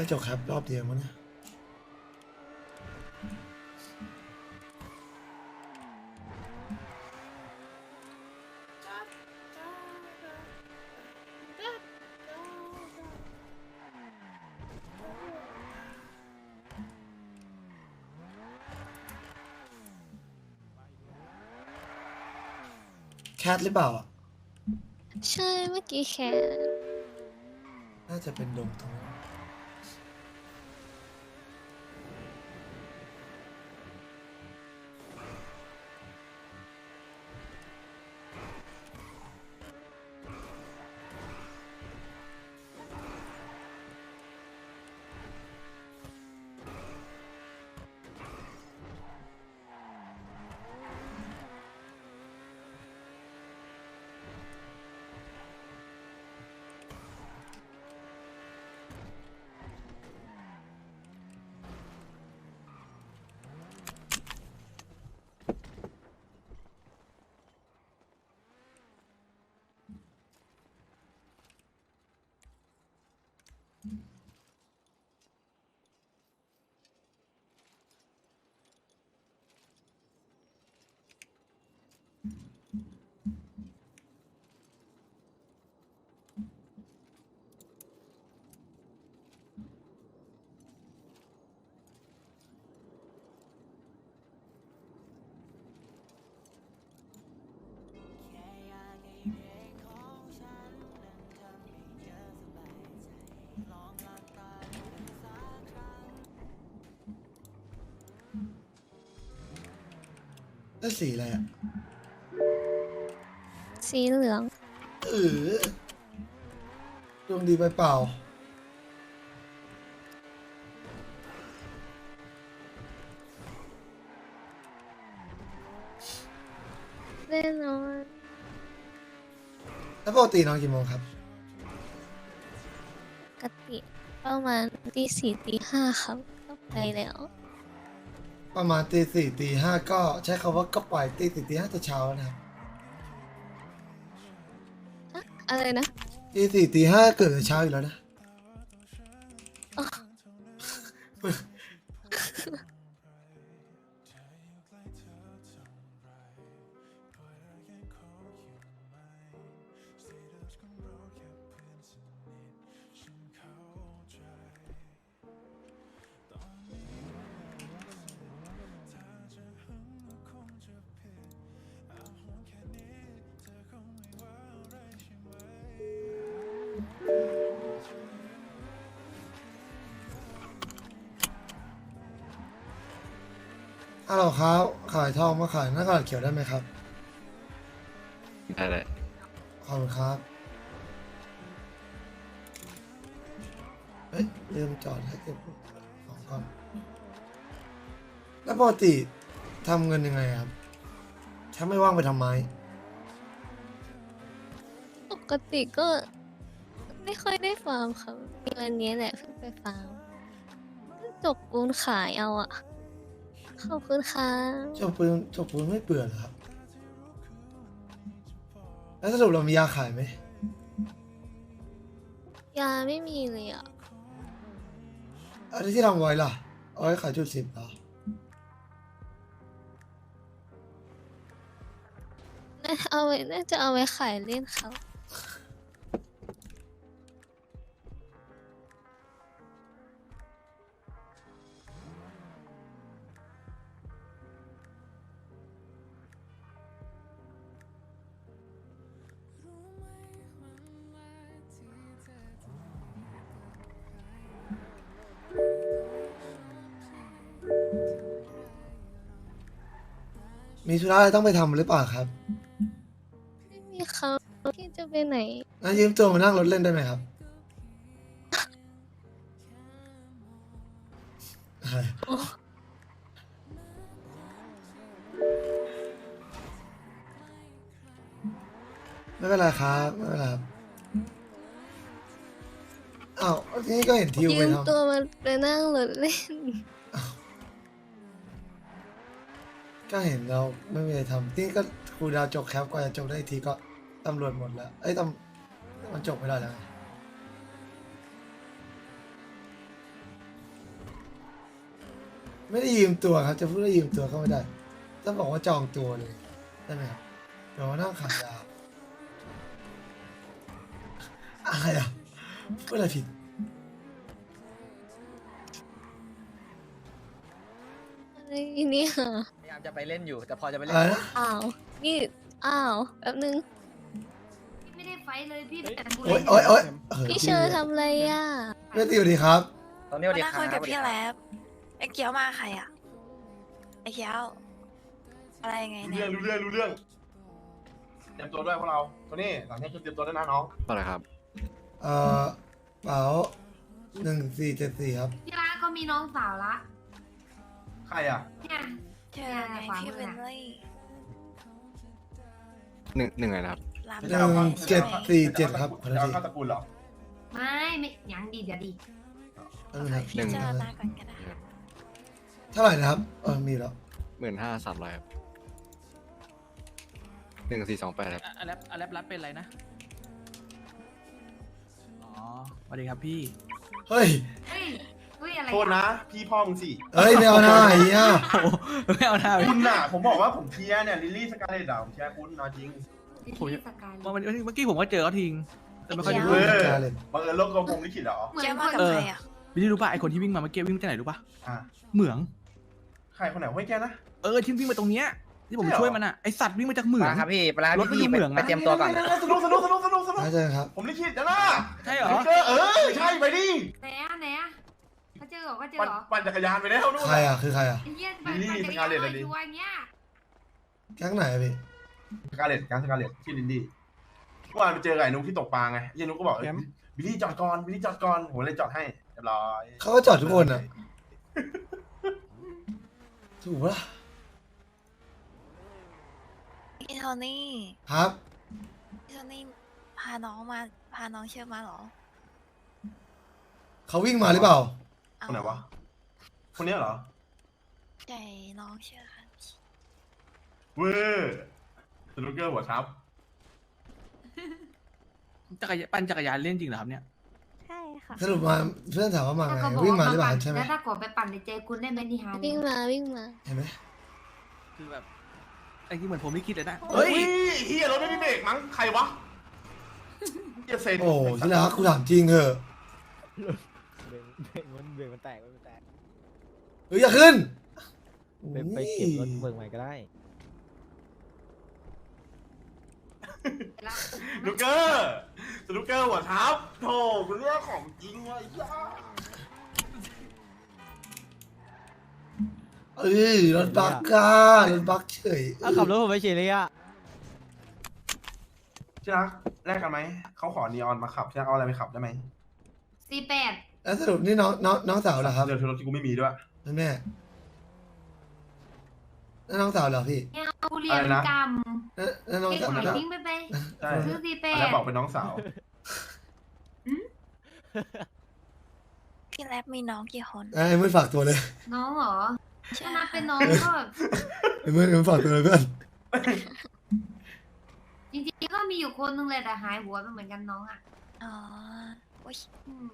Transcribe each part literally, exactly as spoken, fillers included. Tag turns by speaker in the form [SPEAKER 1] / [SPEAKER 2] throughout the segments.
[SPEAKER 1] จบครับรอบเดียวมั้งเนี่ยแคทหรือเปล่าอ่ะ
[SPEAKER 2] ใช่เมื่อกี้แค่
[SPEAKER 1] น่าจะเป็นดงตรงนั้นแล้วสีอะไรอ่ะ
[SPEAKER 2] สีเหลือง
[SPEAKER 1] เออดวงดีไปเปล่า
[SPEAKER 2] แน่นอน
[SPEAKER 1] แล้วปกตินอนกี่โมงครับ
[SPEAKER 2] ปกติประมาณตีสี่ตีห้าครับก็ไปแล้ว
[SPEAKER 1] ประมาณตีสี่ตีห้าก็ใช้คำว่าก็ปล่อยตีสี่ตีห้าจะเช้าแล้วนะครับ
[SPEAKER 2] อะอะไรนะ
[SPEAKER 1] ตีสี่ตีห้าเกิดแต่เช้าอยู่แล้วนะ
[SPEAKER 2] อ๋อ
[SPEAKER 1] ฮัลโหลครับขายทองมาขายหน้ากระดาษเขียวได้ไหมครับ
[SPEAKER 3] ได้เลย
[SPEAKER 1] ขอบคุณครับเฮ้ยลืมจอดให้เก็บของก่อนแล้วปกติทำเงินยังไงครับถ้าไม่ว่างไปทำไม
[SPEAKER 2] ปกติก็ไม่ค่อยได้ฟาร์มครับมีวันนี้แหละเพิ่งไปฟาร์มจกปูนขายเอาอะขอบคุณค่ะ
[SPEAKER 1] จบปืนจบปืนไม่เบื่อเหรอครับแล้วสรุปเรามียาขายไหม
[SPEAKER 2] ยาไม่มีเลยอะ
[SPEAKER 1] อันนี้ที่ทำไว้ล่ะเอาไว้ขายจุดสิบเหรอ
[SPEAKER 2] น่าเอาไว้น่าจะเอาไว้ขายเล่นครับ
[SPEAKER 1] มีธุระอะไรต้องไปทำหรือเปล่าครับ
[SPEAKER 2] ไม่มีครับที่จะไปไหน
[SPEAKER 1] งั้นยืมตัวมานั่งรถเล่นได้ไหมครับอะไร
[SPEAKER 2] โอ้
[SPEAKER 1] ไม่เป็นไรครับไม่เป็นไรครับอ้าวทีนี้ก็เห็นทิว
[SPEAKER 2] ยื
[SPEAKER 1] ไป
[SPEAKER 2] ม
[SPEAKER 1] ทำ
[SPEAKER 2] ตัวมาไปนั่งรถเล่น
[SPEAKER 1] ก็เห็นเราไม่มีอะไรทำนี่ก็ครูดาวจบแคปกว่าจะจบได้อีกทีก็ตำรวจหมดแล้ว เอ้ยตำมันจบไม่ได้แล้วไงไม่ได้ยืมตัวครับ จะพูดว่ายืมตัวก็ไม่ได้ต้องบอกว่าจองตัวเลยได้ไหมครับเดี๋ยวมานั่งขายยาอะไรอ่ะพูดอะไรผิด
[SPEAKER 2] อะไรเนี่ย
[SPEAKER 4] พยายามจะไปเล่นอยู่ แต่พอจะไปเล่
[SPEAKER 1] อะไร
[SPEAKER 4] น
[SPEAKER 1] นะ
[SPEAKER 2] อ้าวนี่อ้าวแป๊บนึง
[SPEAKER 5] พี่ไม่ได้ไฟท์เลยพี่แต่กู
[SPEAKER 1] โอ๊ยโอ๊ยโอ๊ย
[SPEAKER 2] พี่เชอร์ทำอะไรอ่ะ
[SPEAKER 1] เพื่อนติวดีครับ
[SPEAKER 4] ตอนนี้สวัสดี
[SPEAKER 6] มา
[SPEAKER 4] ค
[SPEAKER 6] นั่ง
[SPEAKER 4] รับ
[SPEAKER 6] คุยกับพี่แล็บไอ้เกียวมาใครอ่ะไอ้เกียวอะไรยังไง
[SPEAKER 7] รู้
[SPEAKER 6] เนี่
[SPEAKER 7] เรื่
[SPEAKER 6] ย
[SPEAKER 7] องรู้เรื่องรู้เรื่องเตรียมตัวด้วยพวกเราตัวนี้หลังนี้คือเตรียมตัวด้วยนะน้อง
[SPEAKER 3] เปล่าเลยครับ
[SPEAKER 1] เอ่อเป๋าหนึ่งสี่เจ็ดสี่ครับ
[SPEAKER 5] พี่ร้านเขามีน้องสาวละ
[SPEAKER 7] ใครอ่ะ
[SPEAKER 5] เนี่ย
[SPEAKER 6] เจอไงพี่เวนลี่
[SPEAKER 3] หนึ่งหนึ่งอะไรนะครับ
[SPEAKER 6] รับ
[SPEAKER 1] หนึ่งเจ็ดสี่เจ็ดครับขอโทษ
[SPEAKER 7] จะเอา
[SPEAKER 1] ที
[SPEAKER 7] เข้าตระกูลเหรอ
[SPEAKER 5] ไม่ไม่ยังดีเดี๋ยวดี
[SPEAKER 1] แป๊บนึงครับ
[SPEAKER 6] พี่เจอมาก่อนก็ได้
[SPEAKER 1] เท่าไหร่นะครับเออมีแล้ว
[SPEAKER 3] หมื่นห้าสามร้อยครับหนึ่งสี่สองแปดครับ
[SPEAKER 8] อะแลปอะแลปรับเป็นอะไรนะ อ๋อสวัสดีครับพี่
[SPEAKER 1] เฮ้ย
[SPEAKER 5] เฮ้ยเฮ้ยอะไร
[SPEAKER 7] โทษนะ พี่พ่อมึงสิ
[SPEAKER 1] เฮ้ยไม่เอาหน้าไอ้เนี่ย
[SPEAKER 8] โอ้โหไม่เอาหน้าพี่
[SPEAKER 7] คุณน่ะ ผมบอกว่าผมเชียร์เนี่ยลิลลี่สกาเลตอ่ะผมเชียร์คุณนอนจริง
[SPEAKER 5] พี่สกาย
[SPEAKER 8] เมื่อวันเมื่อกี้ผมก็เจอเขาทิ้งแต่ไม่ค่อยได้
[SPEAKER 7] เอ
[SPEAKER 8] พูด
[SPEAKER 7] อ
[SPEAKER 1] กาเล่น
[SPEAKER 7] บังเอิญโลกกลมลิขิตเหรอ
[SPEAKER 5] เหมือ
[SPEAKER 6] เกีย
[SPEAKER 5] น
[SPEAKER 6] ว
[SPEAKER 5] ค
[SPEAKER 6] มาน กับใครอ่ะ
[SPEAKER 8] พี่รู้ป่ะไอคนที่วิ่งมาเมื่อกี้วิ่งมาจากไหนรู้ป่ะ
[SPEAKER 7] อ่ะ
[SPEAKER 8] เหมือง
[SPEAKER 7] ใครคนไหนห้อยแกนะ
[SPEAKER 8] เออที่วิ่งมาตรงเนี้ยที่ผม
[SPEAKER 7] ใช่เหรอ
[SPEAKER 8] ช่วยมันอ่ะไอสัตว์วิ่งมาจากเหมือง
[SPEAKER 4] ปลาครับพี่ปลาร
[SPEAKER 8] ถมัน
[SPEAKER 4] พี่
[SPEAKER 8] อยู่
[SPEAKER 4] ไป
[SPEAKER 8] เหมืองนะ
[SPEAKER 4] ไปเตรียมตัวก่อน
[SPEAKER 7] สนุกสนุกสนุกสนุกสนุก
[SPEAKER 1] น่าจะครับ
[SPEAKER 7] ผมลิขิตนะนะ
[SPEAKER 8] ใช่เหรอ
[SPEAKER 7] เออเออใช่ไปดิ
[SPEAKER 5] ไหนอะไหนอะเขาเจอเหรอเขาเจอ
[SPEAKER 7] ปั่น
[SPEAKER 5] เหรอ
[SPEAKER 7] ปั่นจักรยานไปแล้วนู่น
[SPEAKER 1] ใครอ่ะคือใครอ่ะ
[SPEAKER 5] ไอ้เหี้ยปั่น
[SPEAKER 7] ลิลลี่
[SPEAKER 5] ปั่นจักร
[SPEAKER 7] สกาเลต
[SPEAKER 5] ยาน
[SPEAKER 7] อะดิ
[SPEAKER 5] อยู่อย่างเงี้ย
[SPEAKER 1] แก๊งไหนอะพี่
[SPEAKER 7] สกาเลตการสกาเลตที่ลินดี้เมื่อวานไปเจอกับไอ้นุ๊กที่ตกปลาไงยันนุ๊กก็บอกเอ้ยบิลลี่จอดก่อนบิลลี่จอดก่อนผมเลยจอดให้เรียบร้อย
[SPEAKER 1] เขาก็จอดทุกคนอ่ะถูกปะล่ะ
[SPEAKER 6] พี่โทนี่
[SPEAKER 1] ครับ
[SPEAKER 6] พี่โทนี่พาน้องมาพาน้องเชื่อมาเหรอ
[SPEAKER 1] เขาวิ่งมาหรือเปล่า
[SPEAKER 6] เอา
[SPEAKER 7] คนไหนวะคนเนี้ยเหรอ
[SPEAKER 6] ใหญ่น้องเชื่อค่ะ
[SPEAKER 7] เวอร์สนุกเกอร์หัวครับ
[SPEAKER 8] จักรยานปั่นจักรยานเล่นจริงเหรอครับเนี่ย
[SPEAKER 2] ใช่ค่ะ
[SPEAKER 1] สรุปมาเพื่อนถามว่ามา
[SPEAKER 5] ถ้า
[SPEAKER 1] ไง
[SPEAKER 5] เขาบอก
[SPEAKER 1] วิ่งมา
[SPEAKER 5] ว่า
[SPEAKER 1] หรือเปล่า
[SPEAKER 5] ปั่น
[SPEAKER 1] ใช่ไหม
[SPEAKER 5] แล้วถ้ากดไปปั่นในเจคุณได้ไหมนี่ฮา
[SPEAKER 2] วิ่งมาวิ่งมา
[SPEAKER 1] เห็นไหม
[SPEAKER 8] คือแบบไอ้ที่เหมือนผมไม่คิดเลยนะ
[SPEAKER 7] เฮ้
[SPEAKER 8] เฮ้
[SPEAKER 7] ย
[SPEAKER 8] ย
[SPEAKER 7] เฮียรถไม่มีเบรกมั้งใครวะเฮียเซน
[SPEAKER 1] โอ้ที่รักกูถามจริงเถอะ
[SPEAKER 9] เบรกเบรกมันเบรกมันแตกมันแตก
[SPEAKER 1] เฮ้ยอย่าขึ้น
[SPEAKER 9] ไปไปเก็บรถเบิกใหม่ก็ได้
[SPEAKER 7] สนุกเกอร์สนุกเกอร์หัวทับโธ่คุณเรื่องของจริงวะไอ้ย่า
[SPEAKER 1] เอ้ยรถบักก้ารถบักเฉย
[SPEAKER 9] เอาขับรถผมไปเฉยเลยอ่ะ
[SPEAKER 7] ที่รักแลกกันไหมเขาขอนีออนมาขับที่รักเอาอะไรไปขับได้ไหม
[SPEAKER 5] สี่แปด
[SPEAKER 1] แล้วสรุปนี่น้องน้องน้องสาวเหรอครับ
[SPEAKER 7] เดี๋ยวรถที่กูไม่มีด้วย
[SPEAKER 1] นั่นแม่นั่นน้องสาวเหรอพี่
[SPEAKER 5] เนี่ยเอาเรียน
[SPEAKER 7] อะไรนะ
[SPEAKER 5] กรรม
[SPEAKER 1] นั่นนั่นน้อง
[SPEAKER 5] เก่ง
[SPEAKER 1] สาว
[SPEAKER 5] หาย
[SPEAKER 1] นะ
[SPEAKER 5] ทิ้งไปไป
[SPEAKER 7] ใช่
[SPEAKER 5] ซื้อสี่แป
[SPEAKER 7] แล้ว
[SPEAKER 5] ด
[SPEAKER 7] บอกเป็นน้องสาว
[SPEAKER 6] พี่แล็บมีน้องกี่คน
[SPEAKER 1] ไอ้มือฝากตัวเลย
[SPEAKER 5] น้องเหรอ
[SPEAKER 6] ใช่
[SPEAKER 5] ถ้านับเป็นน้องก็
[SPEAKER 1] ไอ้มือไอ้มือฝากตัวเลยเพื่อน
[SPEAKER 5] จริงๆก็มีอยู่คนนึงเลยแต่หายหัวไปเหมือนกันน้องอ่ะ
[SPEAKER 6] อ๋อโอ้ย
[SPEAKER 5] อืม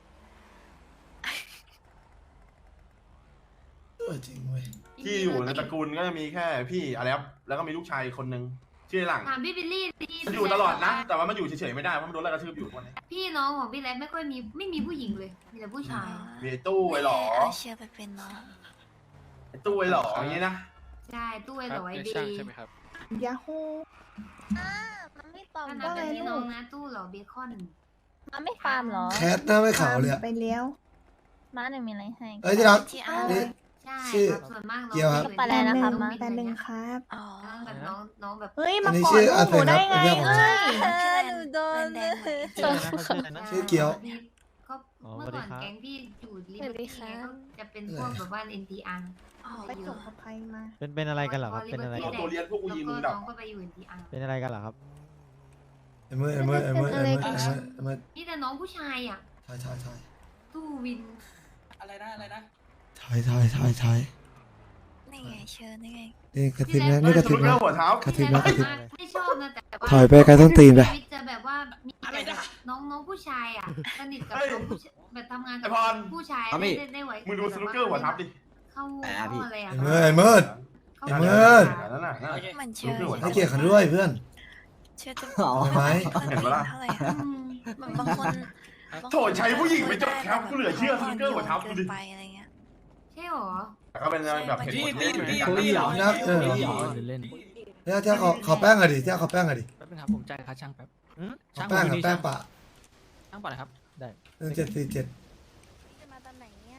[SPEAKER 1] เออจริงเว้ย
[SPEAKER 7] ที่อยู่ในตระกูลก็จะมีแค่พี่อะไรครับแล้วก็มีลูกชายคนนึงชื่อหลัง
[SPEAKER 5] ถามพี่บิลลี่สิ
[SPEAKER 7] มันอยู่ตลอดนะ แต่ว่ามันอยู่เฉยๆไม่ได้เพราะมันโดนไล่กระทืบอยู่ทุกวันนี้
[SPEAKER 5] พี่น้องของพี่แล็บไม่ค่อยมีไม่มีผู้หญิงเลย มีแต่ผู้ชาย
[SPEAKER 7] มีไอ้ตู้ไอ้หลอ
[SPEAKER 6] เอาเชื่อไปเป็นน้อง
[SPEAKER 7] ไอ้ตู้ไอ้หลออย่างนี้นะ
[SPEAKER 5] ใช่ตู้ไอ้หลอยดี
[SPEAKER 3] ใช่ไหมครับ
[SPEAKER 10] ยาฮู
[SPEAKER 2] มันไม่ตอบ
[SPEAKER 5] ถ้านับเป็นพี่น้องนะตู้หลอเบคอน
[SPEAKER 2] มันไม่ฟาร์มหรอ
[SPEAKER 1] แคทหน้าไม่ขาวเลยอะ
[SPEAKER 10] ไปเลี้ยว
[SPEAKER 2] ม้าหนึ่งมีอะไรให้
[SPEAKER 1] เอ้ยที่รัก
[SPEAKER 6] ที่อ้า
[SPEAKER 1] นี่
[SPEAKER 5] ใช่
[SPEAKER 1] ชื่อ
[SPEAKER 5] ครับส่วนมากน้อง
[SPEAKER 1] เกียวครับ
[SPEAKER 5] ม่
[SPEAKER 2] ไปแล้วนะครับ
[SPEAKER 5] น้อง
[SPEAKER 10] แปดหนึ่งครับ
[SPEAKER 6] อ๋อ
[SPEAKER 5] แบบน้องน้องแบบ
[SPEAKER 2] เฮ้ย
[SPEAKER 1] อั
[SPEAKER 2] มาน
[SPEAKER 1] นี้
[SPEAKER 2] กอ
[SPEAKER 1] ชื่
[SPEAKER 2] ด
[SPEAKER 1] อ
[SPEAKER 2] ลูกหนูได้ไง
[SPEAKER 1] อาเซนครับ
[SPEAKER 2] เอ้ย
[SPEAKER 6] ชื่อแลน
[SPEAKER 2] หนูโดน
[SPEAKER 6] แลนแดงเหมือน
[SPEAKER 9] ชื่ออะไรนะชื่ออะไรนะ
[SPEAKER 1] ชื่อเกียว
[SPEAKER 5] พี่ก็
[SPEAKER 9] อ๋อ
[SPEAKER 5] เมื่อ
[SPEAKER 9] สวัสดี
[SPEAKER 5] ก่อน
[SPEAKER 9] ครับ
[SPEAKER 5] แก๊งพี่อยู่ลิ
[SPEAKER 2] ส
[SPEAKER 5] เบ
[SPEAKER 2] วั
[SPEAKER 5] อ
[SPEAKER 2] ส
[SPEAKER 5] ร์
[SPEAKER 2] ดี
[SPEAKER 5] ตี้
[SPEAKER 2] ค่ะ
[SPEAKER 5] ก็จะเป็นพวกแบบว่า เอ็น ที อาร์
[SPEAKER 6] อ๋อ
[SPEAKER 10] ไปจบกับใครมา
[SPEAKER 9] เป็นเป็นอะไรกันเหรอครับ เป็นอะไร
[SPEAKER 7] เอาตัวเรียนพวกกู
[SPEAKER 5] แล้ว
[SPEAKER 7] ยิง
[SPEAKER 5] ก็
[SPEAKER 7] มึงดั
[SPEAKER 5] น้
[SPEAKER 7] บ
[SPEAKER 5] องก็ไปอยู่ เอ็น ที อาร์
[SPEAKER 9] เป็นอะไรกันเหรอครับ
[SPEAKER 1] ไอ้มือไอ้มือไอ้มือไอ้มือไอ้มือไอ้มือ
[SPEAKER 5] นี่แต่น้องผู้ชายอ่ะ
[SPEAKER 1] ใช่ใช่ใช่
[SPEAKER 5] ตู้วิน
[SPEAKER 8] อะไรนะอะไรนะ
[SPEAKER 1] ใช่ใช่ใช่ใช่
[SPEAKER 6] นี่ไงเชิญนี่ไง
[SPEAKER 1] นี่กระติบนะนี่กระ
[SPEAKER 7] ส
[SPEAKER 1] ติ
[SPEAKER 7] นุ
[SPEAKER 1] บ
[SPEAKER 7] กเกอ
[SPEAKER 1] นะ
[SPEAKER 7] ร์หัวเท้าก
[SPEAKER 1] ระติบนะกระติบ
[SPEAKER 5] ไม่ชอบนะแต่ว่า
[SPEAKER 1] ถอยไปไกลต้นตีนไป
[SPEAKER 5] ชีวิตจะแบบว่ามีแต่แบบน้องน้องผู้ชายอ่ะสนิทกับน้องผู้ชายแบบทำงาน
[SPEAKER 7] ไอ้
[SPEAKER 5] กับ
[SPEAKER 7] พร
[SPEAKER 5] ผู้ชาย
[SPEAKER 3] ครับพี่
[SPEAKER 5] ได้ได้ไหว
[SPEAKER 7] มึงดูสนุกเกอร์หัวทับดิ
[SPEAKER 5] เข้าเข้าอะไรอ่ะ
[SPEAKER 1] เมื่อยเมื่อย
[SPEAKER 5] เข้า
[SPEAKER 1] ไอ้เมิด
[SPEAKER 7] นั่นน่ะนั่นน่ะ
[SPEAKER 6] เหมือนเชื่อ
[SPEAKER 1] ให้เกียรติเขาด้วยเพื่อน
[SPEAKER 6] เชื่อจะ
[SPEAKER 1] เอาไหม
[SPEAKER 7] เห็นปะล่ะ
[SPEAKER 6] เท่าไหร่อะ
[SPEAKER 5] อืม
[SPEAKER 6] เหมือนบางคน
[SPEAKER 7] โถใช้ผู้หญิงไปจบแคปกูเหลือเชื่อสนุกเกอร์หัวทับดูดิ
[SPEAKER 6] ไปอะไรเงี้ย
[SPEAKER 5] ใช่หรอ
[SPEAKER 7] แต่ก็เป็นแบบเหตุผลที่อยู่ในการ
[SPEAKER 9] พี่เหรอ
[SPEAKER 1] นักเออ
[SPEAKER 9] เล่น
[SPEAKER 1] เนี่ยเจ้าขอขอแป้งหน่อยดิเจ้าขอแป้งหน่อยดิ
[SPEAKER 8] แป๊บนึงครับผมจ่ายค่าช่างแป๊บอืม
[SPEAKER 1] ขอ
[SPEAKER 8] ช่าง
[SPEAKER 1] แป้ง
[SPEAKER 8] ผม
[SPEAKER 1] กับ
[SPEAKER 8] อยู่นี่
[SPEAKER 1] แป้ง
[SPEAKER 8] ช่าง
[SPEAKER 1] ปะ
[SPEAKER 8] ช่างป่ะนะครับ
[SPEAKER 9] ได้
[SPEAKER 1] หนึ่งเจ็ดสี่เจ็ด
[SPEAKER 2] จะมาตอนไหนเนี่ย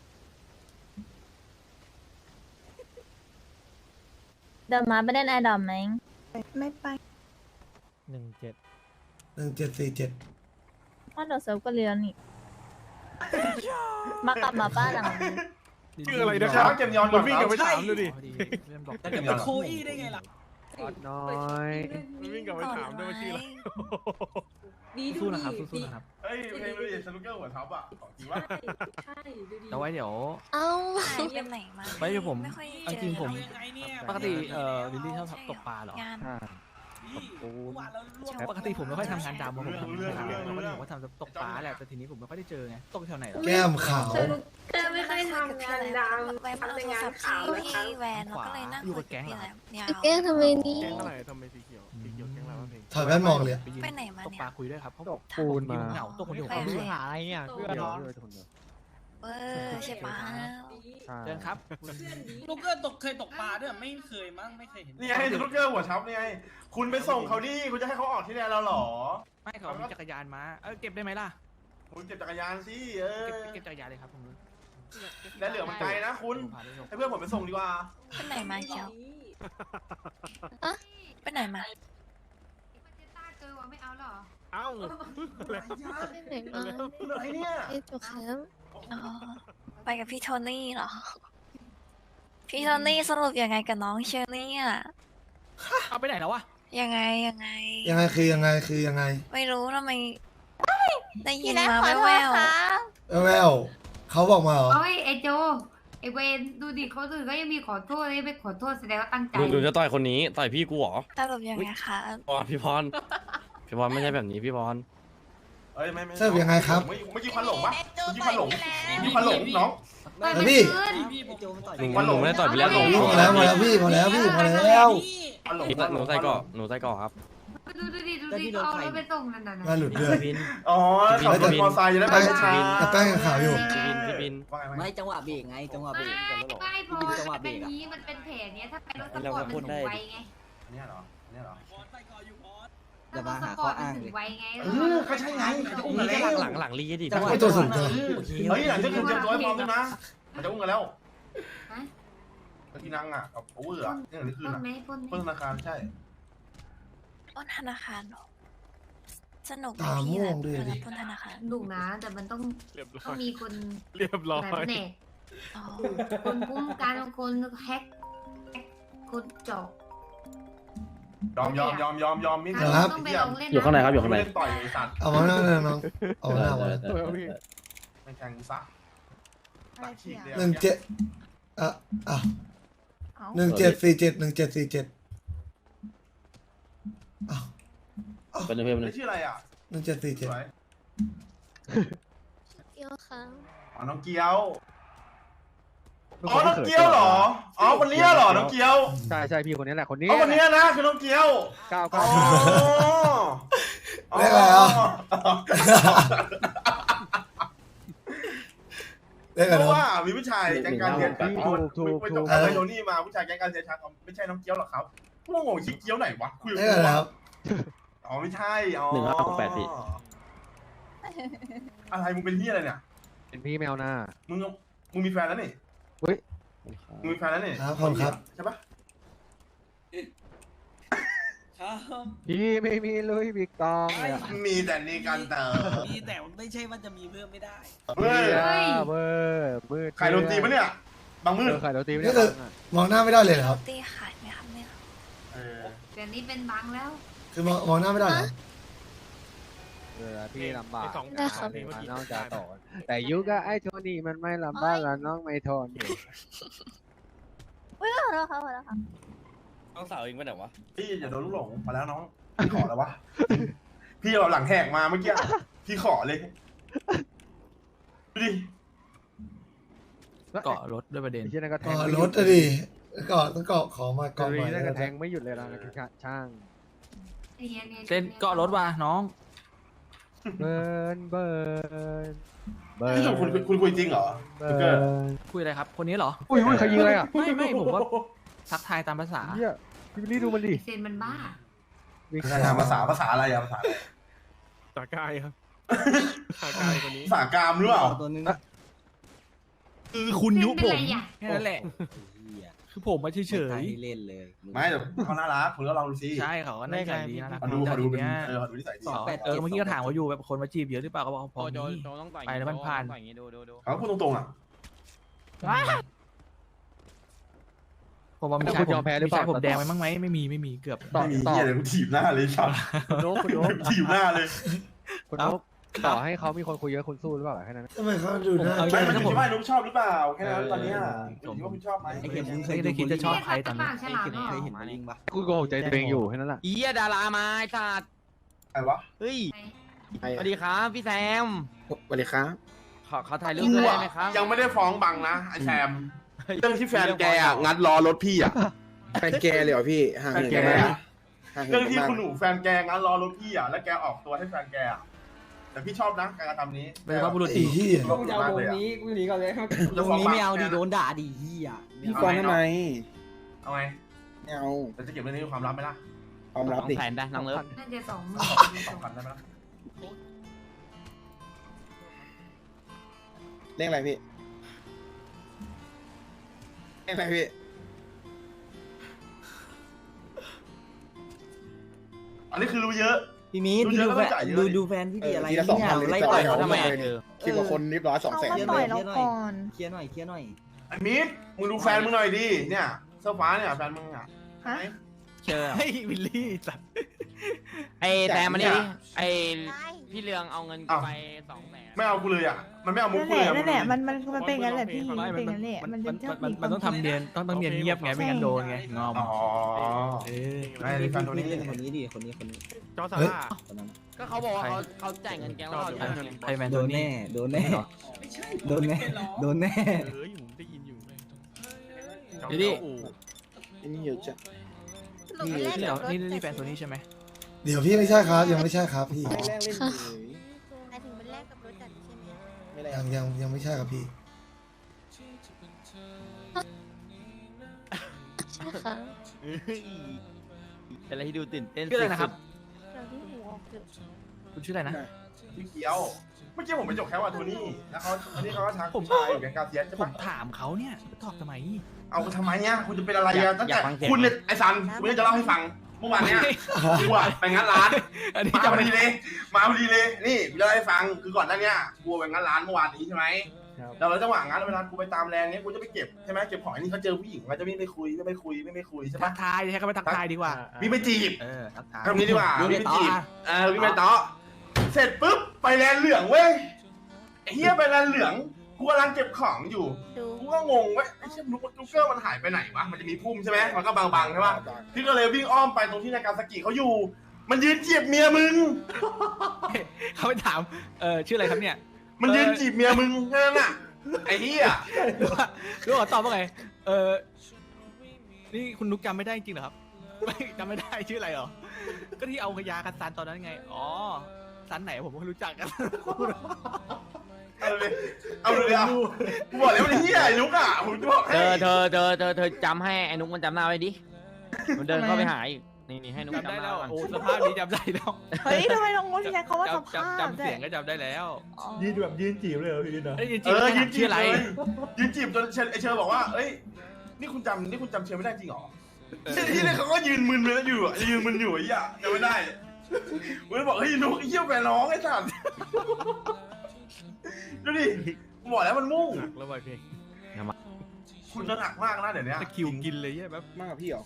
[SPEAKER 10] เดี๋ยวมาไปเล่นไอดอมไหม
[SPEAKER 6] ไม่ไป
[SPEAKER 9] หนึ่งเจ็ด
[SPEAKER 1] หนึ่งเจ็ดสี่เจ็ด
[SPEAKER 10] เพราะเดี๋ยวเซิร์ฟก็เรียนนี่ มากลับมาบ้านหลังนี้
[SPEAKER 7] ชื่ออะไรนะครับเกมยอนก่อนวิ่งกลับไปถามดูดิ
[SPEAKER 8] พอดีเล่นบอก
[SPEAKER 7] เกมยอน
[SPEAKER 4] โคอี้ได้ไงล่ะ
[SPEAKER 9] น้อย
[SPEAKER 7] วิ่งกลับไปถามด้วยว่าชื่ออะไร
[SPEAKER 8] สู้ๆนะครับสู้ๆนะครับ
[SPEAKER 7] เฮ้ยเพลงดูดิสนุกเกอร์หัวทับอ่ะของจริงวะ
[SPEAKER 8] เอาไว้เดี๋ยว
[SPEAKER 2] เอ้า
[SPEAKER 6] หายไปไหนมา
[SPEAKER 8] ไว้เดี๋ยวผม
[SPEAKER 6] ไม่ค่อย
[SPEAKER 8] เอาจริงผม
[SPEAKER 6] เจอ
[SPEAKER 8] ปกติเอ่อลิลลี่ชอบตกปลาเหรอ
[SPEAKER 6] งาน
[SPEAKER 9] ห้าปูน
[SPEAKER 8] ปกติผมไม่ค่อยทำงานดำผมทำงานดำปกติผมก็ทำตกปลาแหละแต่ทีนี้ผมไม่ค่อยได้เจอไงตกแถวไหนเหรอ
[SPEAKER 1] แก้มขาว
[SPEAKER 5] เธอไม่เคยทำงานดำ
[SPEAKER 6] ไว้มาเอาโทรศัพท์ที่พี่แวนแล้วก็เลยนั่งคุยกับพี่แหลมยาว
[SPEAKER 2] แกล้งทำไมนี่
[SPEAKER 7] แกงเท่าไหร่ทำไมสีเขียวสีเขียวแกงอะไรวะเพลง
[SPEAKER 1] ถอยแว่นมองเลยอะ
[SPEAKER 8] ยื
[SPEAKER 6] ไปไหนมา
[SPEAKER 8] ตก
[SPEAKER 6] เนี่
[SPEAKER 8] ปลาย คุยด้วยครับเขา
[SPEAKER 9] ต
[SPEAKER 8] บอก
[SPEAKER 9] กปูนมา
[SPEAKER 8] เหงาตกคนเดียว
[SPEAKER 6] ไป
[SPEAKER 8] เขา
[SPEAKER 6] ไหน
[SPEAKER 8] เบื่อ
[SPEAKER 9] หาอะไรเนี่ยเพื่อน
[SPEAKER 7] เดี๋ยว
[SPEAKER 9] น้อง
[SPEAKER 7] เดี๋ยวคนเดียว
[SPEAKER 6] เออใช่ปะ
[SPEAKER 8] เชิญครับ
[SPEAKER 4] ลูกเกอร์ตกเคยตกปลาด้วยไม่เคยมั้งไม่เคยเห็น
[SPEAKER 7] นี่ไงสนุกเกอร์หัวทับนี่ไงคุณไปส่งเขาดิคุณจะให้เขาออกที่แดนเราเหรอ
[SPEAKER 8] ไม่เขามีจักรยานมาเออเก็บได้ไหมล่ะ
[SPEAKER 7] คุณเก็บจักรยานสิเออ
[SPEAKER 8] เก็บเก็บจักรยานเลยครับผม
[SPEAKER 7] และเหลือมันไกลนะคุณ
[SPEAKER 8] ผมพาไปส่ง
[SPEAKER 7] ให้เพื่อนผมไปส่งดีกว่า
[SPEAKER 6] ไปไหนมาเขียว
[SPEAKER 2] อะ
[SPEAKER 6] ไปไหนมา
[SPEAKER 5] มันจะต้าเจอว่าไม่เอาหรอ
[SPEAKER 9] เอ้า
[SPEAKER 2] ไปไหนมา
[SPEAKER 7] อะไรเนี่ย
[SPEAKER 2] ไอ้จกแคมป์
[SPEAKER 6] อ๋อไปกับพี่โทนี่เหรอ พี่โทนี่สรุปยังไงกับน้องเชอรี่อ่ะ
[SPEAKER 8] เอาไปไหนแล้ววะ
[SPEAKER 6] ยังไงยังไง
[SPEAKER 1] ยังไงคือยังไงคือยังไง
[SPEAKER 6] ไม่รู้ทำไมได้ยิ
[SPEAKER 10] พี่
[SPEAKER 6] น
[SPEAKER 10] แรก
[SPEAKER 6] มา
[SPEAKER 10] ขอโท
[SPEAKER 6] แว
[SPEAKER 10] ษ
[SPEAKER 6] ว
[SPEAKER 10] ค่ะ
[SPEAKER 1] แววๆเขาบอกมาเหรอ
[SPEAKER 5] โอ้ยไอโจไอเวนดูดิเขาอื่นก็ยังมีขอโทษเลยไม่ขอโทษแสดงว่าตั้งใจ
[SPEAKER 11] ดูดูจะต่อยคนนี้ต่อยพี่กูเหรอ
[SPEAKER 6] ๆสรุปยังไงคะ
[SPEAKER 11] อ๋อพี่พร พี่พรไม่ใช่แบบนี้พี่พร
[SPEAKER 7] เอ้ยไม่ไม่
[SPEAKER 1] เสิร์ฟยังไงครับ
[SPEAKER 7] เมื่อกี้ควันหลงปะเมื่อกี้ควันหลงเมื่อกี้ควันหลงน้อง
[SPEAKER 5] เฮ้ย
[SPEAKER 1] แล้ว
[SPEAKER 5] มัน
[SPEAKER 1] พี่
[SPEAKER 5] ขึ้น
[SPEAKER 4] พี่ผมโจมต่อย
[SPEAKER 11] หนูหนูไม่ได้ต่อยพี่แล้วหนู
[SPEAKER 1] พอแล้วพอแล้วพี่พอแล้วพี่พอแล้ว
[SPEAKER 7] ควันหลง
[SPEAKER 11] พี่หนูใส่ก่อหนูใส่ก่อครับ
[SPEAKER 5] ดูดูดิดูดิเขาเอารถไปส่งนั่นน่ะ
[SPEAKER 1] มาหลุดด้วย
[SPEAKER 11] บิน
[SPEAKER 7] อ๋อขับรถมอเตอร์ไซค์จะได้ไปช้า
[SPEAKER 1] แต่แป้งยังขาวอยู่
[SPEAKER 11] พี่บินพี่บิน
[SPEAKER 7] ว่าไงว่าไง
[SPEAKER 4] ไม่จังหวะเบรกไงจังหวะเบร
[SPEAKER 5] ไม่
[SPEAKER 4] ก
[SPEAKER 5] ไม่พอมันเป็นนี้มันเป็นแผลเนี้ยถ้าเป็นรถสปอร์ตมันถึงไวไง
[SPEAKER 7] อันเนี้ยเหรออันเนี้ยเหรอ
[SPEAKER 5] ถ้ารถสปอร์ตมันถึงไวไง
[SPEAKER 7] เออก็ใช่ไงเขาจะอุ้มกัน
[SPEAKER 11] นี่
[SPEAKER 7] แล้ว
[SPEAKER 11] หลังหลังลีดิ
[SPEAKER 1] ไอ้ตัวสูงจัง
[SPEAKER 7] เฮ้ยหลังจากคุณเตรียมตัวให้พร้อมด้วยนะมันจะอุ้มกันแล้ว
[SPEAKER 5] ฮะ
[SPEAKER 7] แล้วที่นั่งอ่ะกับโอเวอร์อ่ะนี่หรือคืน
[SPEAKER 5] ปล้น
[SPEAKER 7] อ่ะ
[SPEAKER 5] ไหมปล้นไหม
[SPEAKER 7] เปิดธนาคารใช่
[SPEAKER 6] ปล้นธนาคารเหรอสนุกไห
[SPEAKER 1] ตา
[SPEAKER 6] พี่
[SPEAKER 1] ม่ว
[SPEAKER 6] แหล
[SPEAKER 1] ง
[SPEAKER 6] ม
[SPEAKER 1] ด้วย
[SPEAKER 6] เว
[SPEAKER 1] ดิ
[SPEAKER 6] ลาปล้นธนาคาร
[SPEAKER 5] ดุนะแต่มันต้องต้องมีคน
[SPEAKER 7] เรียบร้อย
[SPEAKER 5] หลายแผนก
[SPEAKER 6] อ๋อ
[SPEAKER 5] คนคุ้มกันคนแฮกแฮกคนเจาะ
[SPEAKER 7] ยอมยอมยอมยอมยอมมิ้น
[SPEAKER 1] ครับ
[SPEAKER 5] ต้องไปลองเล่น
[SPEAKER 11] อยู่ข้างในครับอยู่ข้างใน
[SPEAKER 7] เล่นต่อยไอ้สัตว์
[SPEAKER 1] เอามาหน้าเลยน้องเอามาหน้ามา
[SPEAKER 7] ไม่แทงกูซะตัดฉีกเลย
[SPEAKER 1] หนึ่งเจ็ดอ่ะอ่ะหนึ่งเจ็ดสี่เจ็ดหนึ่งเจ็ดสี่เจ็ดอ้าว
[SPEAKER 11] เป็นเพื่อน
[SPEAKER 7] ไม่ชื่ออะไรอ่ะ
[SPEAKER 1] หนึ่งเจ็ดสี่
[SPEAKER 7] ส
[SPEAKER 1] เจ็ด
[SPEAKER 7] วย
[SPEAKER 2] เกี่ยวค่ะ
[SPEAKER 7] อ๋อน้องเกียวอ๋อน้องเกียวเหรออ๋อคนนี้เหรอน้องเกียว
[SPEAKER 9] ใช่ใช่พี่คนนี้แหละคนนี้
[SPEAKER 7] อ๋อคนนี้นะคือน้องเกียว
[SPEAKER 9] ก้าว
[SPEAKER 7] อ๋
[SPEAKER 9] ก้า
[SPEAKER 7] อ
[SPEAKER 1] เรียกอะไรอ่ะเรียก
[SPEAKER 7] เพ
[SPEAKER 1] อะไร
[SPEAKER 7] ราะ
[SPEAKER 1] น้อง
[SPEAKER 7] ว่ามีผู้ชายแก๊งการเรียนจากคนไปจบไปโดนี่มาผู้ชายแก๊งการเรียนชักไม่ใช่น้องเกียวหรอกครับพวกงงชื่อเกียวไหนวะคุยกับ
[SPEAKER 1] เรียก
[SPEAKER 7] กู
[SPEAKER 1] อะไร
[SPEAKER 7] วะ
[SPEAKER 1] ครับ
[SPEAKER 7] อ๋อไม่ใช่อ๋อ
[SPEAKER 11] หนึ่งห้าหกแปดพี่
[SPEAKER 7] อะไรมึงเป็นที่อะไรเนี่ย
[SPEAKER 9] เป็นพี่แมวหน้า
[SPEAKER 7] มึงมึงมีแฟนแล้วนี่
[SPEAKER 9] เฮ้ย
[SPEAKER 7] มึงมีแฟนแล้วนี่
[SPEAKER 1] ครับผมครับ
[SPEAKER 7] ใช่ปะ
[SPEAKER 4] ครับ
[SPEAKER 9] พี่ไม่มีลุยพี่กองเลยอะ
[SPEAKER 7] มีแต่นี่กันเตอ
[SPEAKER 4] มีแต่ไม่ใช่ว่าจะมีเพิ่มไม่ได้
[SPEAKER 7] เฮ้ย
[SPEAKER 9] เบอร์มืด
[SPEAKER 7] ใครโดนตีปะเนี่ยบางมื
[SPEAKER 9] เอ
[SPEAKER 7] ด
[SPEAKER 9] อไข่โรตีไม่
[SPEAKER 1] นี่
[SPEAKER 9] ได้
[SPEAKER 1] คือมองหน้าไม่ได้เลยเหรอครับ
[SPEAKER 6] ตีขายไหมครับเนี่ย
[SPEAKER 7] เออ
[SPEAKER 5] เดี๋ยวนี้เป็นบังแล้ว
[SPEAKER 1] คือมองมองหน้าไม่ได้เหรอ
[SPEAKER 9] เออพี่ลำบาก
[SPEAKER 2] ได้ครับ
[SPEAKER 9] น้องจะต่อแต่ยุคก็ไอ้โทนี่มันไม่ลำบากแล้วน้องไม่ทนอยู่
[SPEAKER 10] อุ้ยขอโทษค่ะขอโทษค่ะ
[SPEAKER 11] น้องสาวเองไปไหนวะ
[SPEAKER 7] พี่อย่าโดนลูกหลงมาแล้วน้องพี่ขอแล้ววะพี่เอาหลังแหกมาเมื่อกี้พี่ขอเลยดูดิ
[SPEAKER 8] เกาะรถด้วยประเด็น
[SPEAKER 9] ไอ้เชี่ยนั่นก็แท
[SPEAKER 1] ก็
[SPEAKER 9] งไม่ห
[SPEAKER 1] ร
[SPEAKER 9] ยุ
[SPEAKER 1] ถ
[SPEAKER 9] ด
[SPEAKER 1] อะดิก็ต้องเกาะของมา
[SPEAKER 9] เกา
[SPEAKER 1] เกาะ
[SPEAKER 9] ห
[SPEAKER 1] ให
[SPEAKER 9] ลี
[SPEAKER 1] ม่
[SPEAKER 9] นั่นก็
[SPEAKER 1] แล้ว
[SPEAKER 9] แทงไม่หยุดเลยนะช่าง
[SPEAKER 8] เส้นเกาะรถว่ะน้อง
[SPEAKER 9] เบิร์นเบิร์นเบิ
[SPEAKER 7] พี่
[SPEAKER 9] ร์
[SPEAKER 7] หนุ่มคุณคุณคุยจริงเหรอ
[SPEAKER 9] เบิ
[SPEAKER 7] จุกเกอร์
[SPEAKER 9] ร์น
[SPEAKER 8] คุยอะไรครับ คนนี้เหรอ
[SPEAKER 9] อุ้ยอุ้ยใครยิงอะไรอ่ะ
[SPEAKER 8] ไม่ไม่ผมว่าทักทายตามภาษา
[SPEAKER 9] เฮียพี่บิลลี่ดูมันดิ
[SPEAKER 5] เซนมันบ้า
[SPEAKER 7] ภาษาภาษาภาษาอะไรอะภาษาอะไร
[SPEAKER 8] ตากายครับตากายคนนี้
[SPEAKER 7] ภาษากามหรือเปล่า
[SPEAKER 8] คือคุณยุ
[SPEAKER 5] เป็น
[SPEAKER 8] ผ
[SPEAKER 5] ไร
[SPEAKER 8] ม
[SPEAKER 5] อ่ะ
[SPEAKER 8] แค่นั้นแหละ คือผมมาเฉย
[SPEAKER 11] เล่นเลย
[SPEAKER 7] ไม่แต่เขาน่ารักคุณก็ลองดูสิ
[SPEAKER 8] ๆใช่เขาก็น่าใจดีน่ารัก
[SPEAKER 7] มาดูมาดูเป็น
[SPEAKER 8] เนี้ย
[SPEAKER 7] เออมาดูนิสัยดี
[SPEAKER 8] เออเมื่อกี้ก็ถามว่าอยู่แบบคนมาจีบเยอะหรือเปล่าก็บอกพอมี ไปแล้วมันผ่าน
[SPEAKER 7] เขาพูดตรงๆอ่ะ
[SPEAKER 8] ผมว่ามีชายผมมีชายผมแดงไหมมั้งไหมไม่มีไม่มีเกือบ
[SPEAKER 9] ต่อ
[SPEAKER 7] ไม่มี
[SPEAKER 9] ต่อ
[SPEAKER 7] เหี้ยเลยกูถีบหน้าเลยครับ
[SPEAKER 9] คุณโอ๊คคุณโอ๊ค
[SPEAKER 7] ถีบหน้าเลย
[SPEAKER 9] คุณโอ๊คต่อให้เขามีคนคุยเยอะคุณสู้หรือเปล่าแค่นั้น
[SPEAKER 1] ทำไมเขาดูหน้า
[SPEAKER 8] เอา
[SPEAKER 7] ไม่
[SPEAKER 8] อย่าง
[SPEAKER 7] มัน
[SPEAKER 8] นั้น
[SPEAKER 7] คิ
[SPEAKER 8] ผ
[SPEAKER 7] ด
[SPEAKER 8] ม
[SPEAKER 7] ว่านุ๊กชอบหรือเปล่าแค่นั้นตอนเนี้ย
[SPEAKER 8] ผม
[SPEAKER 7] คิดว่าคุณชอบไหม
[SPEAKER 8] ไอ้เข็มไม่ได้คิดจะชอบใครตอนนี้
[SPEAKER 5] ฉลาดเหรอ
[SPEAKER 9] คุณโกหกใจตัวเองอยู่แค่นั้นแหละ
[SPEAKER 11] อีดารามาไอ้สัตว์
[SPEAKER 7] ใครวะ
[SPEAKER 11] เฮ้ยสวัสดีครับพี่แซม
[SPEAKER 12] สวัสดีครับ
[SPEAKER 11] ขอขอถ่ายรูป
[SPEAKER 7] กู
[SPEAKER 11] ด้วยได้
[SPEAKER 7] อะ
[SPEAKER 11] ไหมครับ
[SPEAKER 7] ยังไม่ได้ฟ้องบังนะไอแซมเรื่องที่แฟนแกอ่ะงัดล้อรถพี่อ่ะ
[SPEAKER 12] แฟนแกเลยเหรอพี่ห่าง
[SPEAKER 7] แฟน
[SPEAKER 12] เหิน
[SPEAKER 7] แก
[SPEAKER 12] กันมาก
[SPEAKER 7] อะ
[SPEAKER 12] ห่างเหิ
[SPEAKER 7] เรื่อน ง
[SPEAKER 12] กัน
[SPEAKER 7] ที่
[SPEAKER 12] มาก
[SPEAKER 7] คุณหนูแฟนแกงัดล้อรถพี่อ่ะแล้วแกออกตัวให้แฟนแกอ่ะแต่พี่ชอบนะการกระทำนี้
[SPEAKER 8] เป็นว่าบุรุษ
[SPEAKER 1] ไอ้เหี้ย
[SPEAKER 7] ชอบมากเลยอ่ะ
[SPEAKER 11] กูหนีก่อนเลย
[SPEAKER 7] จะฟ้องบัง
[SPEAKER 11] ด่าดิเฮีย
[SPEAKER 12] พี่ฟ้องทำไม
[SPEAKER 7] เอาไง
[SPEAKER 12] ไม่เอา
[SPEAKER 7] แต่จะเก็บเรื่องนี้เป็นความลับไหมล่ะ
[SPEAKER 12] ความลับดิ
[SPEAKER 11] แผนได้น้องเลิฟ
[SPEAKER 5] น่าจะสองหมื่น
[SPEAKER 7] สองพันได้ไหมล่ะ
[SPEAKER 12] เรียกอะไรพี่เรียกอะไรพี่
[SPEAKER 7] อันนี้คือรู้เยอะ
[SPEAKER 11] พี่มี
[SPEAKER 7] รู้เยอะแล้วก็จ่ายเยอะ
[SPEAKER 11] ดู
[SPEAKER 7] ดิ
[SPEAKER 11] ดูแฟนพี่ดีอะไร
[SPEAKER 12] ทีละสองพัน
[SPEAKER 11] ไล่
[SPEAKER 12] เลย
[SPEAKER 11] ต่อย
[SPEAKER 12] เขา
[SPEAKER 11] เขาทำไม
[SPEAKER 12] เลยสิบกว่าคนเรียบร้อยสองแสน
[SPEAKER 10] เขามาต่อยเราก่อน
[SPEAKER 11] เคลียร์หน่อยเคลียร์หน่อย
[SPEAKER 7] ไอ้มิดมึงดูแฟนมึงหน่อยดิเนี่ยเสื้อฟ้าเนี่ยแฟนมึงอ่ะ
[SPEAKER 10] ฮะ
[SPEAKER 11] เชิญ
[SPEAKER 8] เฮ้ยวิลลี่สัตว์
[SPEAKER 11] ไอ้แซมมาดิไอ้พี่เรืองเอาเงินกูไปสองแสน
[SPEAKER 7] ไม่เอากูเลยอ่ะมันไม่เอามุก
[SPEAKER 10] นั่น
[SPEAKER 7] กู
[SPEAKER 10] แห
[SPEAKER 7] เลย
[SPEAKER 10] ละ
[SPEAKER 7] อ่ะ
[SPEAKER 10] นั่นแหละมันมันมันเป็นงั้นแหละพี่
[SPEAKER 8] ไม่
[SPEAKER 10] เป็น
[SPEAKER 8] มัน
[SPEAKER 10] งั้นแหละ
[SPEAKER 8] มั
[SPEAKER 10] มัน น
[SPEAKER 8] มั
[SPEAKER 10] จะ
[SPEAKER 8] น
[SPEAKER 10] ชอบ
[SPEAKER 8] มัน
[SPEAKER 10] มี
[SPEAKER 8] มันต้อง
[SPEAKER 10] ควา
[SPEAKER 8] ทำเนียนต้องต้องเนียนเงียบไงไม่งั้นโดนไงงอม
[SPEAKER 7] อ๋อ
[SPEAKER 8] เออ
[SPEAKER 7] ไม่ได้แฟนตัวนี้
[SPEAKER 11] คนนี้ดิคนนี้คนนี้
[SPEAKER 8] จอซาร่า
[SPEAKER 11] คนนั้นก็เขาบอกว่าเขาเขาจ่ายเงินแกงแล้วเขาจ่ายเงิน
[SPEAKER 8] ไทยแมนโดนแน่
[SPEAKER 11] โดนแน่โดนแน่โดนแน่
[SPEAKER 8] เฮ้ยผมได้ยินอยู่
[SPEAKER 11] ดูดิ
[SPEAKER 12] อันนี้เยอะจัง
[SPEAKER 8] นี่นี่เหรอนี่นี่แฟนตัวนี้ใช่ไหม
[SPEAKER 1] เดี๋ยวพี่ไม่ใช่ครับยังไม่ใช่ครับพี่
[SPEAKER 12] ไม่แรกเล่นเฉย
[SPEAKER 10] หมายถึงเป็นแรกกับรถจัดใช่ไหม
[SPEAKER 12] ไม่แรก
[SPEAKER 1] ยังยังยังไม่ใช่ครับพี่
[SPEAKER 2] ใช่ค่ะ
[SPEAKER 11] เป็นอะไรที่ดูตื่นเต้น
[SPEAKER 8] ชื่ออะไรนะครับ
[SPEAKER 10] เราที่หูออกเกือบ
[SPEAKER 8] คุณชื่ออะไรนะ
[SPEAKER 7] พี่เกียวเมื่อกี้ผมไปจบแค่ว่าตัวนี้แล้วเขาอันนี้เขาก็ทัก
[SPEAKER 8] ผม
[SPEAKER 7] ชายอยู่แกงกาเซียนใช่
[SPEAKER 8] ผ
[SPEAKER 7] ปะ
[SPEAKER 8] มถามเขาเนี่ยตอบทำไม
[SPEAKER 7] เอาทำไมเนี่ยคุณจะเป็นอะไรอ่ะตั้งแต่คุณเนี่ยไอ้ซันคุณจะเล่าให้ฟังเมื่อวานเนี่ยกูอะไปงานร้าน
[SPEAKER 8] อันนี้
[SPEAKER 7] มา
[SPEAKER 8] จะ
[SPEAKER 7] พอ
[SPEAKER 8] ไม่
[SPEAKER 7] ดีเลยมาพอดีเลยนี่กูเล่าให้ฟังคือก่อนหน้านี้กูไปงานร้านเมื่อวานนี้ใช่ไหมแล้วจังหวะงานเวลากูไปตามแรงเนี้ยกูจะไปเก็บใช่ไหมเก็บของนี่เขาเจอผู้หญิงเขาจะวิ่งไปคุยไม่ไปคุยไม่ไปคุยใช่
[SPEAKER 8] ทั
[SPEAKER 7] ปะ
[SPEAKER 8] กทายใช้คำว่าทักทายดีกว่า
[SPEAKER 7] วิ่งไปจีบ
[SPEAKER 8] เออทักทาย
[SPEAKER 7] ทำนี้ดีกว่า
[SPEAKER 8] วิ่ง
[SPEAKER 7] วิ่ง
[SPEAKER 8] ไป
[SPEAKER 7] ไป
[SPEAKER 8] ต่อ
[SPEAKER 7] จีบ
[SPEAKER 8] อ่ะ
[SPEAKER 7] เออวิ่งไปต่อเสร็จปุ๊บไปแลนเหลืองเว้ยไอ้เฮียไปแลนเหลืองกูกำลังเก็บของอยู่
[SPEAKER 10] ดู
[SPEAKER 7] กูก็งงเว้ยไอ้เชี่ยนุ๊กนุ๊กเกอร์มันหายไปไหนวะมันจะมีพุ่มใช่ไหมมันก็บางๆใช่ปะพี่ก็เลยวิ่งอ้อมไปตรงที่นากาซากิเขาอยู่ มันยืนจีบเมียมึง
[SPEAKER 8] เขาไปถามเออชื่ออะไรครับเนี่ย
[SPEAKER 7] มันยืนจีบเมียมึงแค่นั้นน่ะไอ้เหี้ย
[SPEAKER 8] รู้ว่ารู้ว่าตอบว่าไงเออนี่คุณนุกจำไม่ได้จริงเหรอครับไม่จำไม่ได้ชื่ออะไรเหรอก็ที่เอาขยากันซันตอนนั้นไงอ๋อซันไหนผมก็รู้จักกัน
[SPEAKER 7] เอาเลยเอาเลยอ่ะกูบอกแล้วมันเหี้ยไอ้นุ๊กอ่ะผมจะบอก
[SPEAKER 11] เธ
[SPEAKER 7] ให้
[SPEAKER 11] อเธอเธอเธอเธอจำให้ไอ้นุ๊กมันจำหน้าไว้ดิมันเดินเข้าไปหาอีกนี่นี่ให้นุ๊ก
[SPEAKER 8] จำ
[SPEAKER 11] จำ
[SPEAKER 8] ได้
[SPEAKER 11] หน้า
[SPEAKER 8] แล้ว
[SPEAKER 11] ก่อน
[SPEAKER 8] โอ้สภาพนี้จำได้แล้ว
[SPEAKER 10] เฮ้ยทำไมน้องงงที่ใช้เขาว่าส
[SPEAKER 8] จำ
[SPEAKER 10] ภาพ
[SPEAKER 8] จำจำเสียงก็จำได้แล้ว
[SPEAKER 12] ยืนแบบยืนจีบเลยเหรอพี่นะ
[SPEAKER 8] ไอ้ยจริง
[SPEAKER 7] เออยืนจี
[SPEAKER 8] ชื่อบ อะไร
[SPEAKER 7] เลยยืนจีบจนเชไอ้เชอบอกว่าเอ้ยนี่คุณจำนี่คุณจำเชอไม่ได้จริงเหรอที่นี่เขาก็ยืนมึนเลยอยู่อ่ะยืนมึนอยู่ไอ้เหี้ยจำไม่ได้กูเลยบอกเฮ้ยนุ๊กไอ้เหี้ยแฟนน้องไอ้สัสดูดิกูบอกแล้วมันมุ่ง
[SPEAKER 8] หนักแล้วไปเพลง
[SPEAKER 7] คุณจะหนักมากนะเดี๋ยวนี้
[SPEAKER 8] ตะคริวกินเลยใช่ไหม
[SPEAKER 12] มากกว่าพี่เหรอ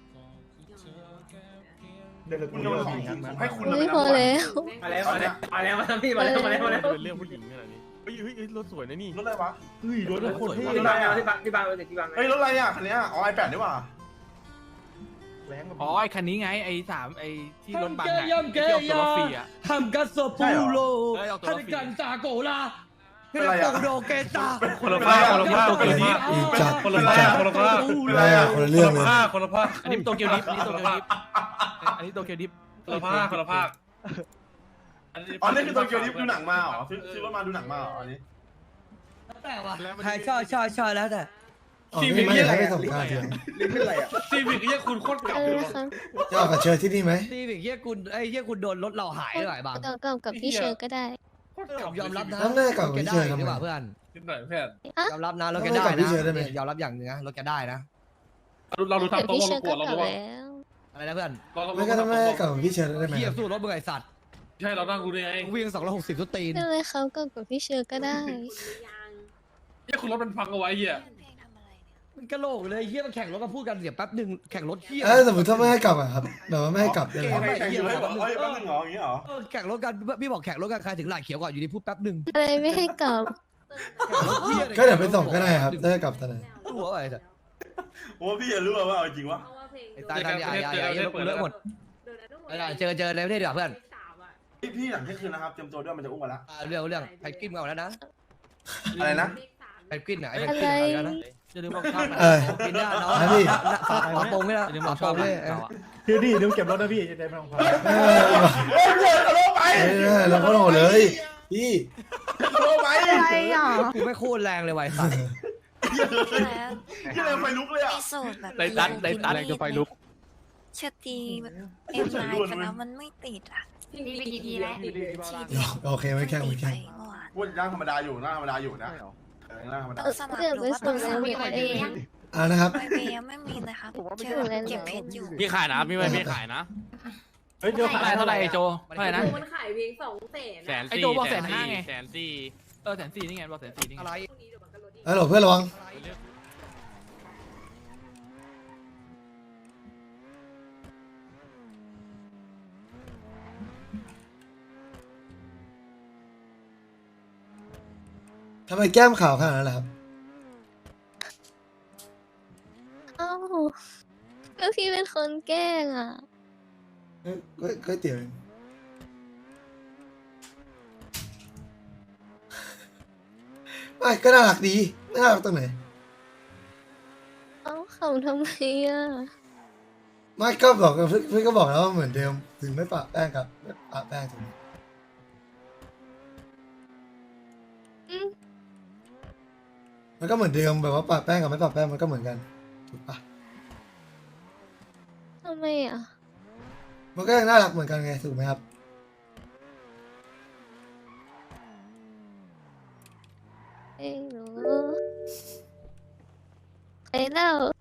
[SPEAKER 7] คุณโดนของผมให้คุณ
[SPEAKER 2] เฮ้ยพอแล้ว
[SPEAKER 7] มาแล้วมาแล้ว
[SPEAKER 11] มาแล้วมาแล้วพี่มาแล้วมาแล้วมาแล้ว
[SPEAKER 8] เป็นเรื่องผู้หญิงขนาดนี้เฮ้ยเฮ้ยเฮ้ยรถสวยนะนี่
[SPEAKER 7] รถอะไรวะ
[SPEAKER 12] เฮ้ยรถโคตรเท่
[SPEAKER 7] รถอะไรอ่ะ
[SPEAKER 11] ที่บ้านที่บ้านเลยที่บ้าน
[SPEAKER 7] เฮ้ยรถอะไรอ่ะคันนี้อ๋อไอแปดนี่หว่า
[SPEAKER 12] แรงกว่า
[SPEAKER 8] อ๋อไอคันนี้ไงไอสามไอที่รถบังอะที่ออกตัวรถฟรีอะ
[SPEAKER 11] ทำกัสโซปูโล
[SPEAKER 8] เอ้ยออกตัวรถฟรี
[SPEAKER 11] ซาโกลา
[SPEAKER 7] เป็นไรอะ
[SPEAKER 8] โดเกตา
[SPEAKER 12] คนละภาคคนละภาคคนละภาค
[SPEAKER 1] อีจัด
[SPEAKER 12] คน
[SPEAKER 1] อี
[SPEAKER 12] ละภา
[SPEAKER 1] จั
[SPEAKER 12] ค
[SPEAKER 1] ด
[SPEAKER 12] คนละภาค
[SPEAKER 1] แม่คนละเรื่องเลย
[SPEAKER 12] คนละภาค
[SPEAKER 8] อันนี้โตเกียวดิฟอันนี้โตเกียวดิฟอันนี้โตเกียวดิฟ
[SPEAKER 12] คนละภาคคนละภาค
[SPEAKER 7] อ๋อนี่คือโตเกียวดิฟดูหนังมาเหรอซื้อซื้อรถมาดูหนังมาเหรออันนี้
[SPEAKER 8] แต่ว่าใครชอบชอบชอบแล้วแต่
[SPEAKER 1] อ๋อไม่ไม่อยากให้ไปส่งการเถอะ
[SPEAKER 7] ลิ้นเป็นไรอ่ะ
[SPEAKER 12] ซีวิกเฮียคุณโคตรเก่า
[SPEAKER 2] เอ
[SPEAKER 12] เล
[SPEAKER 2] อย ครับ
[SPEAKER 1] จะออกกับเชิญที่นี่ไหม
[SPEAKER 8] ซีวิกเฮียคุณไอ้เฮียคุณโดนรถเราหายด้วยบาง
[SPEAKER 2] กับกับกับพี่เชอร์ก็ได้
[SPEAKER 8] ผมยอมรับนะ
[SPEAKER 1] แล้วแม่กับพี่เชิญทำไม
[SPEAKER 8] เพื่อน
[SPEAKER 12] นิดหน่อยเพื่อน
[SPEAKER 8] ยอมรับนะรถแก
[SPEAKER 1] แล้ว
[SPEAKER 8] ได้
[SPEAKER 1] ไม่กับพี่
[SPEAKER 8] นะ
[SPEAKER 1] เชิญได้ไหม
[SPEAKER 8] ยอมรับอย่างหนึงนะรถแกได้นะ
[SPEAKER 12] เราดู
[SPEAKER 2] แต่
[SPEAKER 12] ทำตัว
[SPEAKER 2] พี่
[SPEAKER 12] เรา
[SPEAKER 2] เชอร์
[SPEAKER 12] กลั
[SPEAKER 2] ก็
[SPEAKER 12] วเรา
[SPEAKER 2] กลับ
[SPEAKER 12] ดูว่า
[SPEAKER 2] แล้ว
[SPEAKER 8] อะไรนะเพื่อน
[SPEAKER 1] ไม่ก็ถ้าแม่กับพี่เชิญได้ไหม
[SPEAKER 8] เฮี
[SPEAKER 1] ค
[SPEAKER 8] ย
[SPEAKER 1] รับ
[SPEAKER 8] สู้รถมึงไอสัตว์
[SPEAKER 12] ใช่เรานั่งดูได้ไง
[SPEAKER 8] วิ่งสองร้อยหกสิบทุกตีน
[SPEAKER 2] ได้เลยครับกับกับพี่เชอร์ก็ได้
[SPEAKER 12] เฮียคุณรถมันพังเอาไว้เฮีย
[SPEAKER 8] มันกระโหลกเลยเฮียมันแข่งรถก็พูดกันเดี๋ยวแป๊บหนึ่งแข่งรถเฮีย
[SPEAKER 1] เออสมมติถ้าไม่ให้กลับอะครับแบบว่าไม่ให้กลับได้ไหม
[SPEAKER 7] ไม่แข่งอยู่ให้บอกเอ้ยแป๊บนึงเหรออย่างงี้เหรอ
[SPEAKER 8] เออแข่งรถกันพี่บอกแข่งรถกันใครถึงหลายเขียวก่อนอยู่ดีพูดแป๊บหนึ่ง
[SPEAKER 2] อะไรไม่ให้กลับ
[SPEAKER 1] ก็เดี๋ยวไปส่งก็ได้ครับถ้าให้กลับตอนไหน
[SPEAKER 8] หัวอะไรสัตว์
[SPEAKER 7] โอ้พี่อย่ารู้ว่าเอาจริงวะ
[SPEAKER 8] ไอ้ตายทำยายายายรถเลอะหมดเจอเจอในประเทศดีกว่าเพื่อน
[SPEAKER 7] พี่พี่หลังเที่ยงคืนนะครับเตรียมตัวด้วยมันจะอุ้มมาแล้ว
[SPEAKER 8] เรื่องเรื่องแพนกวินมาแล้วนะ
[SPEAKER 7] อะไรนะ
[SPEAKER 8] แพนกวินไหนแพน
[SPEAKER 2] อะ
[SPEAKER 8] กวิ
[SPEAKER 2] ไร
[SPEAKER 8] นมาแล้วนะจะดูบอกข้าม
[SPEAKER 1] เออ
[SPEAKER 8] กินได้เนาะ
[SPEAKER 1] นะพี่
[SPEAKER 8] ฝาฝาโปงนี่ละฝาโปงนี่
[SPEAKER 12] พี่ดีดูเก็บรถนะพี่จะได้ไม่ต้องพา
[SPEAKER 1] เออ
[SPEAKER 7] โอ้ยเดินทะลุไป
[SPEAKER 1] เออเราก็โหดเลยพี่
[SPEAKER 7] ทะลุไป
[SPEAKER 10] อะไรอ่ะ
[SPEAKER 8] กูไม่โคตรแรงเลยไวสัตว์
[SPEAKER 7] ที่เลยไฟลุกเลยอ่ะ
[SPEAKER 6] มีสูตรแบบ
[SPEAKER 11] ไดตันไดตัน
[SPEAKER 6] แรงจะไฟลุกเชอตีแบบเอ็มไลน์กันแล้วมันไม่ติดอ่ะ
[SPEAKER 5] พี่ไปกี่ทีแล้ว
[SPEAKER 6] ทีเดียว
[SPEAKER 1] โอเคไม่แข่งไม่แข่ง
[SPEAKER 6] เมื่อวาน
[SPEAKER 7] พูดนั่งธรรมดาอยู่นั่งธรรมดาอยู่นะเออนั่งธรรมดา
[SPEAKER 6] ต้องสมัครหรือว่าต้องสมัครเอง
[SPEAKER 1] อ่านะครับ
[SPEAKER 6] ไปเบยังไม่มีนะคะเจอเก็บเพชรอยู่
[SPEAKER 11] พี่ขายนะพี่ไม่พี่ขายนะ
[SPEAKER 12] เฮ้ยเดี๋ยว
[SPEAKER 11] เท่าไหร่เท่าไหร่โจเท่าไหร่นะ
[SPEAKER 10] มันขายเพียงสองแสน
[SPEAKER 11] แสน
[SPEAKER 8] ไอ้
[SPEAKER 11] สี่
[SPEAKER 8] โจบอกแสนห้าไง
[SPEAKER 11] แสนสี่
[SPEAKER 8] เออแสนสี่นี่ไงบอกแสนสี่นี่อะไร
[SPEAKER 1] ฮัลโหลเพื่อนระวังทำไมแก้มขาวขนาดนั้นล่ะครับ
[SPEAKER 2] เอ้าก็พี่เป็นคนแกล้งอ่ะ
[SPEAKER 1] ก็ก็ก็เตี๋ยวเองไม่ก็น่ารักดีน่ารักตรงไหน
[SPEAKER 2] เอ้าเขาทำไมอ่ะ
[SPEAKER 1] ไม่ก็บอกกับเพื่อนเพื่อนก็บอกแล้วว่าเหมือนเดิมถึงไม่ปะแป้งกับไม่ปะแป้งถูกไหม
[SPEAKER 2] อืม
[SPEAKER 1] มันก็เหมือนเดิมแบบว่าปะแป้งกับไม่ปะแป้งมันก็เหมือนกันถูกปะ
[SPEAKER 2] ทำไมอ่ะ
[SPEAKER 1] มันก็ยังน่ารักเหมือนกันไงถูกไหมครับ
[SPEAKER 2] ไม่รู้ไปแล้ว